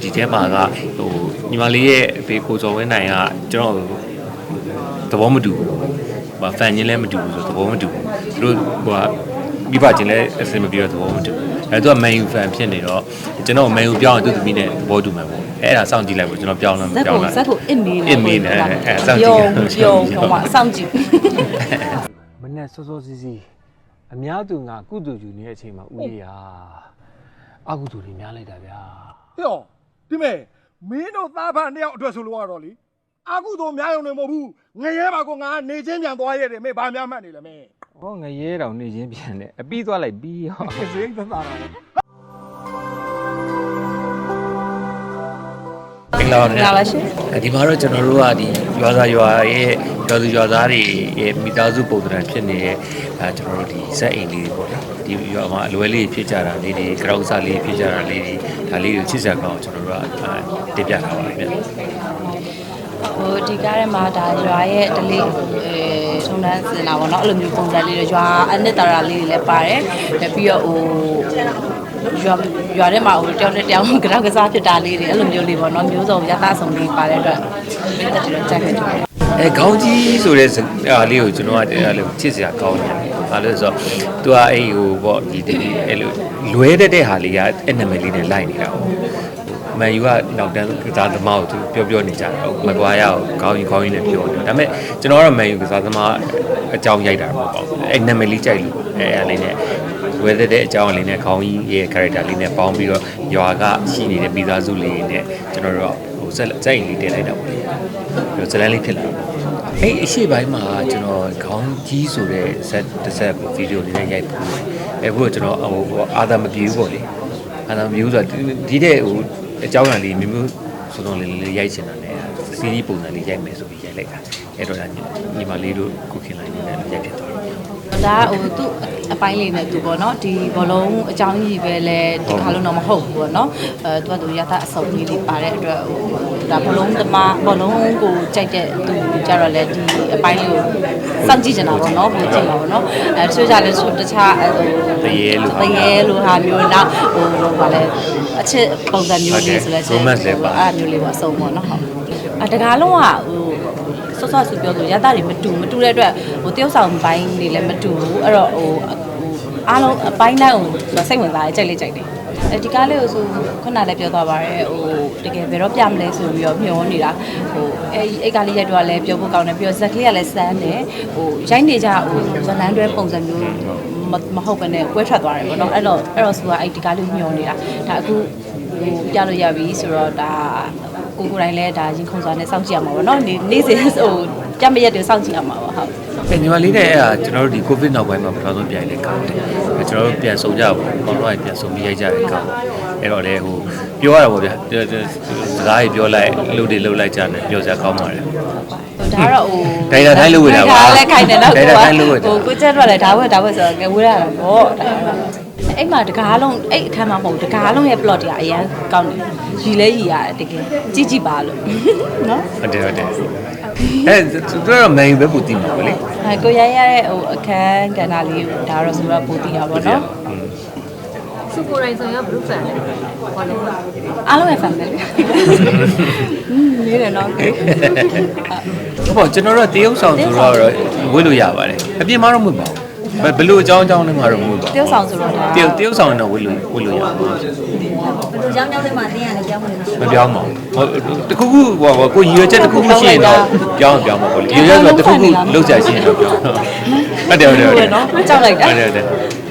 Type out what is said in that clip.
ဒီထဲမှာကဟိုညီမလေးရဲ့အဖေကိုစော်ဝင်းနိုင်ကကျွန်တော်သဘောမတူဘူးဖန်ချင်းလည်းမတူဘူးဆိုသဘောမတူဘူးသူတို့ဟိုကမိဘချင်းလည်းအစင်မပြေတော့သဘောမတူဘူးသူကမန်ယူဖန်ဖြစ်နေတော့ကျွန်တော်မန်ယူပြောင်းသူသမီးနဲ့သဘောတူမှာပေါ့အဲ့ဒါစောင့်ကြည့်လိုက်ပေါ့ကျွန်တော်ပြောင်းလားမပြောင်းလားဇက်ကိုအစ်မေးနေအဲ့စောင့်ကြည့်ပြုံးမှာစောင့်ကြည့်မနဲ့စောစောစီးစီးအများသူငါကုသိုလ်ယူနေတဲ့အချိန်မှာဦးလေးဟာအကုသိုလ်တွေများလိုက်တာဗျာဟေ့ဒီမဲ့မင်းတို့သားဖန်တယောက်အတွက်ဆိုလို့ကတော့လေအကုသိုလ်များရုံနဲ့မဟုတ်ဘူးငရဲပါကောငါနေချင်းပြန်သွားရတယ်မေဘာများမှတ်နေလဲမေဟောငရဲတောင်နေချင်းပြန်တယ်အပြီးသွားလိုက်ပြီးဟောစိတ်သက်သာတာလာပါရှင်ဒီမှာတော့ကျွန်တော်တို့ကဒီရွာသားရွာရဲ့ရွာသူရွာသားတွေရဲ့မိသားစုပုံစံဖြစ်နေတဲ့ကျွန်တော်တို့ဒီဇက်အိမ်လေးတွေပေါ့နော်ဒီရွာမှာအလွယ်လေးဖြစ်ကြတာလေးတွေကြောက်စားလေးဖြစ်ကြတာလေးတွေဒါလေးတွေချစ်စရာကောင်းကျွန်တော်တို့ကတင်ပြထားပါတယ်ဗျဟိုဒီကားထဲမှာဒါရွာရဲ့ဒလေးထုံတန်းစင်တာပေါ့နော်အဲ့လိုမျိုးပုံစံလေးတွေရွာအနှစ်သာရလေးတွေလည်းပါတယ်ပြီးတော့ဟိုရွာထဲမှာဟိုတယောက်နဲ့တယောက်ကြောက်ကစားဖြစ်တာလေးတွေအဲ့လိုမျိုးလေးပေါ့နော်မျိုးစုံရသဆောင်လေးပါတဲ့အတွက်မိသက်တွေတော့ကြိုက်ခဲ့တယ်ခေါင်းကြီးဆိုတဲ့အားလေးကိုကျွန်တော်ကအဲ့လိုချစ်စရာကောင်းတယ်။ဘာလို့လဲဆိုတော့ तू ကအဲ့ဟိုပေါ့ဒီအဲ့လိုလွဲတဲ့ဟာလေးကအဲ့နာမည်လေးနဲ့လိုက်နေတာပေါ့။မန်ယူကနောက်တန်းကစားသမားကို तू ပြောနေကြတာ။မကွာရအောင်ခေါင်းကြီးနဲ့ပြောတယ်။ဒါပေမဲ့ကျွန်တော်ကတော့မန်ယူကစားသမားအကြောင်းရိုက်တာပေါ့။အဲ့နာမည်လေးကြိုက်လို့အဲ့လေးနဲ့ဝဲတဲ့အကြောင်းလေးနဲ့ခေါင်းကြီးရဲ့ character လေးနဲ့ပေါင်းပြီးတော့ရွာကရှိနေတဲ့မိသားစုလေးနဲ့ကျွန်တော်တို့ဟိုစက်အိမ်လေးတင်လိုက်တာပေါ့။ပြီးတော့ဇလန်းလေးဖြစ်လာအဲ့အရှိပိုင်းမှာကျွန်တော်ခေါင်းကြီးဆိုတဲ့တစ်ဆက်ဗီဒီယိုလေးနဲ့ရိုက်ပို့အဲ့ဘုရားကျွန်တော်ဟိုအာသာမပြေဘူးပေါ့လေအာသာမပြေဘူးဆိုတော့ဒီတဲ့ဟိုအကြောင်းအရာလေးမျိုးစုံစုံလေးရိုက်ချင်တာနဲ့စီးရီးပုံစံလေးရိုက်မယ်ဆိုပြီးရိုက်လိုက်တာအဲ့တော့ညီမလေးတို့ကုခင်လိုက်နေတဲ့ရိုက်ဖြစ်သွားတယ်ဒါဟိုသူ့အပိုင်းလေးနဲ့သူပေါ့နော်ဒီဘောလုံးအကြောင်းကြီးပဲလဲဒီခါလုံးတော့မဟုတ်ဘူးပေါ့နော်သူကသူရသအစုံကြီးလေးပါတဲ့အတွက်ဟိုဒါဘောလုံးဘောလုံးကိုကြိုက်တဲ့သူကြတော့လဲဒီအပိုင်းလေးကိုစောင့်ကြည့်နေတာပေါ့နော်ပိုကြည့်မှာပေါ့နော်တချို့ကြလဲတခြားတရေလိုဟာမျိုးနောက်ဟိုဗာလဲအချစ်ပုံစံမျိုးလေးဆိုလဲအဲ့မျိုးလေးပေါ့အစုံပေါ့နော်ဟုတ်တကားလုံးကဟိုဆော့ဆူပြောလို့ရသတွေမတူတဲ့အတွက်ဟိုတယောက်ဆောင်ပိုင်းတွေလည်းမတူဘူးအဲ့တော့ဟိုအားလုံးအပိုင်းတိုင်းကိုစိတ်ဝင်စားကြိုက်တယ်ဒီကားလေးကိုဆိုခုနလည်းပြောသွားပါတယ်ဟိုတကယ်ဘယ်တော့ပြမလဲဆိုပြီးတော့မျှောနေတာဟိုအဲ့ကားလေးရိုက်တော့လည်းပြောဖို့ကောင်းတယ်ပြီးတော့ဇက်ကလေးကလည်းစမ်းတယ်ဟိုရိုက်နေကြဟိုဇလန်းတွဲပုံစံမျိုးမဟုတ်ဘဲနဲ့ကွဲထွက်သွားတယ်ပေါ့နော်အဲ့တော့ဆိုအဲ့ဒီကားလေးမျှောနေတာဒါအခုဟိုပြလို့ရပြီဆိုတော့ဒါကိုယ်တိုင်းလဲဒါရင်ခုန်စွာနဲ့စောင့်ကြည့်ရမှာပေါ့နော်နေ့စဉ်ဟိုကြမရက်တွေစောင့်ကြည့်ရမှာပေါ့ဟုတ်ညီမလေးနဲ့အဲ့ဒါကျွန်တော်တို့ဒီ COVID နောက်ပိုင်းမှာပထမဆုံးပြန်လေကောင်းတယ်ကျွန်တော်တို့ပြန်ဆုံကြပါဘောတော့ပြန်ဆုံပြီးရိုက်ကြတယ်ကောင်းအဲ့တော့လေဟိုပြောရတာပေါ့ဗျာစကားကြီးပြောလိုက်လှုပ်တွေလှုပ်လိုက်ကြတယ်ပြောစရာကောင်းပါတယ်ဒါတော့ဟိုဒိုင်တာတိုင်းလှုပ်ဝေတာပါဒါလည်းခိုင်တယ်တော့ဟိုကိုကျက်တော့လည်းဒါဝက်ဆိုတော့ငဝေးရတာပေါ့အဲ့မှာတကားလုံးအဲ့အခန်းမှာမဟုတ်တကားလုံးရဲ့ plot တွေကအရင်ကောင်းတယ်ရီလဲရီရတယ်တကယ်ကြည့်ပါလို့နော်ဟုတ်တယ်အဲ့သူတို့မန်ယူပဲပူတည်မှာပေါ့လေကိုရရတဲ့ဟိုအခန်းကဏ္ဍလေးဒါတော့ဆိုတော့ပူတည်တာပေါ့နော်စုကိုရိုင်းဆိုရဘလူးဖန်ဟောတယ်အားလုံးရဲ့ fan ပဲလေနေတယ်နော်ဟုတ်ပါကျွန်တော်တို့တရုပ်ဆောင်ဆိုတော့ဝတ်လို့ရပါတယ်အပြင်မှာတော့မဟုတ်ပါဘူးဘယ်လိုအကြောင်းနဲ့မှာတော့မဟုတ်ပါဘူးတရုပ်ဆောင်ဆိုတော့ဒါတရုပ်ဆောင်တော့ဝတ်လို့ရပါဘူးဘယ်လိုကြောင်းတွေမှာတင်းရတယ်ကြောင်းမပြောင်းပါဘူးဟိုတခုခုဟိုကိုရည်ရွယ်ချက်တခုခုရှိရင်တော့ပြောင်းပါပေါ့လေရည်ရွယ်ချက်တခုခုလောက်ကြရှိရင်တော့ပြောင်းဟုတ်တယ်နော်ကြောက်လိုက်တာဟုတ်တယ်